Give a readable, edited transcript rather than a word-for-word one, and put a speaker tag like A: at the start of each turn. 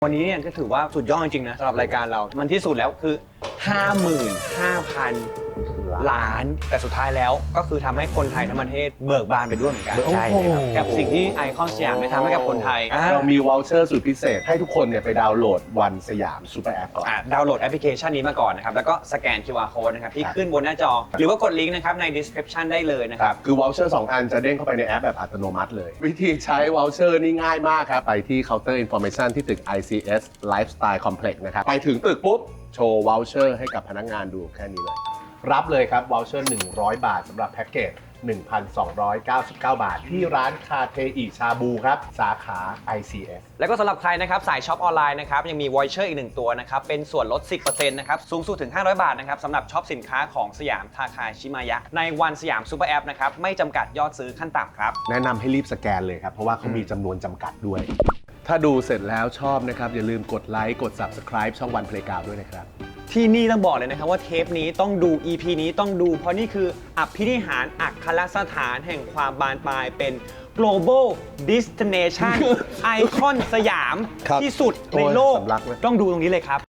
A: วันนี้เนี่ยก็ถือว่าสุดยอดจริงๆนะสำหรับรายการเรา มันที่สุดแล้วคือ 55,000 ล้าน แต่สุดท้ายแล้วก็คือทำให้คนไทยทั้งประเทศเบิกบานไปด้วยเหมือนกัน
B: ใช่เลยครับ
A: กับสิ่งที่ไอคอนสยามได้ทำให้กับคนไทย
C: เรามีวอลเชอร์สุดพิเศษให้ทุกคนเนี่ยไปดาวน์โหลดวันสยามซูเปอร์แอปก่อน
A: ดาวน์โหลดแอปพลิเคชันนี้มาก่อนนะครับ แล้วก็สแกน QR code นะครับที่ขึ้นบนหน้าจอ หรือว่ากดลิงก์นะครับใน description ได้เลยนะ
C: ค
A: ค
C: รั
A: รั
C: บบ คือวอลเชอร์2อันจะเด้งเข้าไปในแอปแบบอัตโนมัติเลย วิธีใช้วอลเชอร์นี่ง่ายมากครับ ไปที่ Counter Information ที่ตึก ICS Lifestyle Complex นะครับ ไปถึงตึกปุ๊บ โชว์วอลเชอร์ให้กับพนักงานดูแค่นี้เลย รับเลยครับวอลเชอร์100 บาทสำหรับแพ็กเกจ 1,299 บาท ที่ร้านคาเทอิชาบูครับ สาขา ICS
A: แล้วก็สำหรับใครนะครับสายช็อปออนไลน์นะครับยังมีวอยเชอร์อีก1ตัวนะครับเป็นส่วนลด 10% นะครับสูงสุดถึง 500 บาทนะครับสำหรับช็อปสินค้าของสยามทาคาชิมายะในวันสยามซูเปอร์แอปนะครับไม่จำกัดยอดซื้อขั้นต่ำครับ
C: แนะนำให้รีบสแกนเลยครับ เพราะว่าเขามีจำนวนจำกัดด้วย ถ้าดูเสร็จแล้วชอบนะครับ อย่าลืมกดไลค์กด Subscribe ช่องวันเพลย์กราวด้วยนะครับ
A: ที่นี่ต้องบอกเลยนะครับว่าเทปนี้ต้องดู EP นี้ต้องดู เพราะนี่คืออภินิหารอัครสถานแห่งความบานปลายเป็น global destination ไอคอนสยาม
C: ครับ
A: ที่สุดในโลก
C: โอ้ยสำลักเลย
A: ต้องดูตรงนี้เลยครับ